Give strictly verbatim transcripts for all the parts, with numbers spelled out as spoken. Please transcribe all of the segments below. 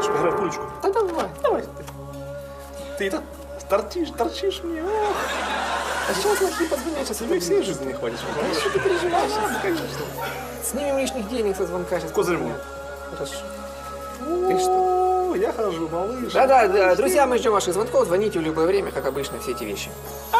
Хочешь поиграть в пулечку? Да давай. Давай. Ты это торчишь, торчишь мне. Ох. А сейчас лохи позвонят, сейчас Тебе всей жизни не хватит. Да что ты переживаешь? Ну, конечно. Снимем лишних денег со звонка сейчас. Козырь. Хорошо. Ты что? О, я хожу, малыш. Да-да, да, друзья, мы ждем ваших звонков. Звоните в любое время, как обычно, все эти вещи.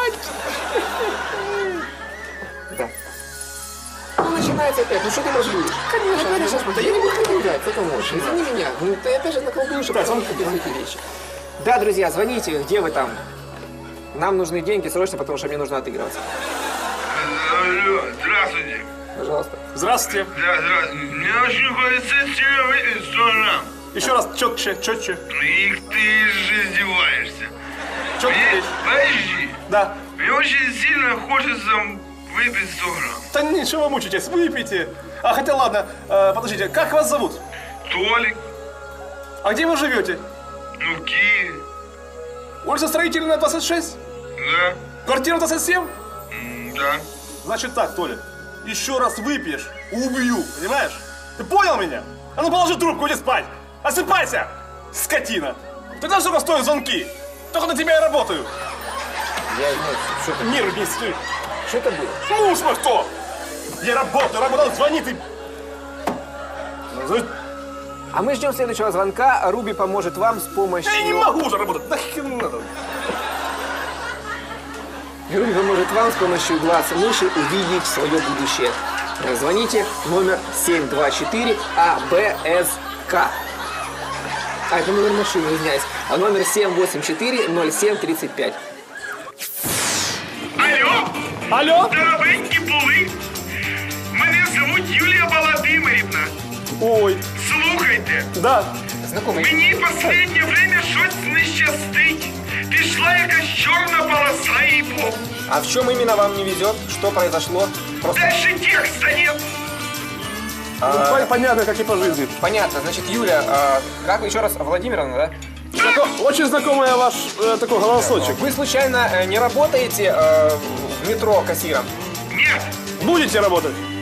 Да. Ну, начинается опять. Ну, что ты мозгуешь? Конечно. Ну, сейчас, да я не буду наблюдать, кто можешь. Извини меня. Ну, ты опять же наколдуешь, а потом купил эти вещи. Да, друзья, звоните, где вы там? Нам нужны деньги срочно, потому что мне нужно отыгрываться. Алло, здравствуйте. Пожалуйста. Здравствуйте. Да, здравствуйте. Мне очень хочется тебе выпить сто грамм. Еще раз, четче, четче. Их ты же издеваешься. Четче. Мне, подожди. Да. Мне очень сильно хочется выпить сто грамм. Да ничего вы мучитесь, выпейте. А хотя ладно, э, подождите, как вас зовут? Толик, А где вы живете? ну в Киеве. Улица Строительная, двадцать шесть? Да, Квартира двадцать семь? м, да. Значит так, Толя, еще раз выпьешь, убью, понимаешь? Ты понял меня? А ну положи трубку, иди спать. Осыпайся, скотина. Ты знаешь, сколько стоят звонки? Только на тебя я работаю. Я знаю, что это, Нервы не стой. что это было? Муж мой кто? Я работаю, работал, звони ты. А мы ждем следующего звонка. а Руби поможет вам с помощью... Я не могу уже работать, нахер надо. Руби поможет вам с помощью глаз мыши увидеть свое будущее. Звоните номер семь два четыре А Б С К. А, это номер машины, извиняюсь. А номер семь восемь четыре ноль семь тридцать пять. Алло, Алло? здоровенькі були. Мене звуть Юлія Володимирівна. Ой, Слухайте, да. Знакомый. мені останнє время щось не щастить. Пішла якась чорна полоса і бог. А в чем именно вам не везет? Что произошло? Просто... Дальше текста нет. Ну, понятно, как и по жизни. Понятно. Значит, Юля, а, как вы еще раз? Владимировна, да? Знако- Очень знакомый ваш э, такой голосочек. Вы случайно э, не работаете э, в метро кассиром? Нет, Будете работать?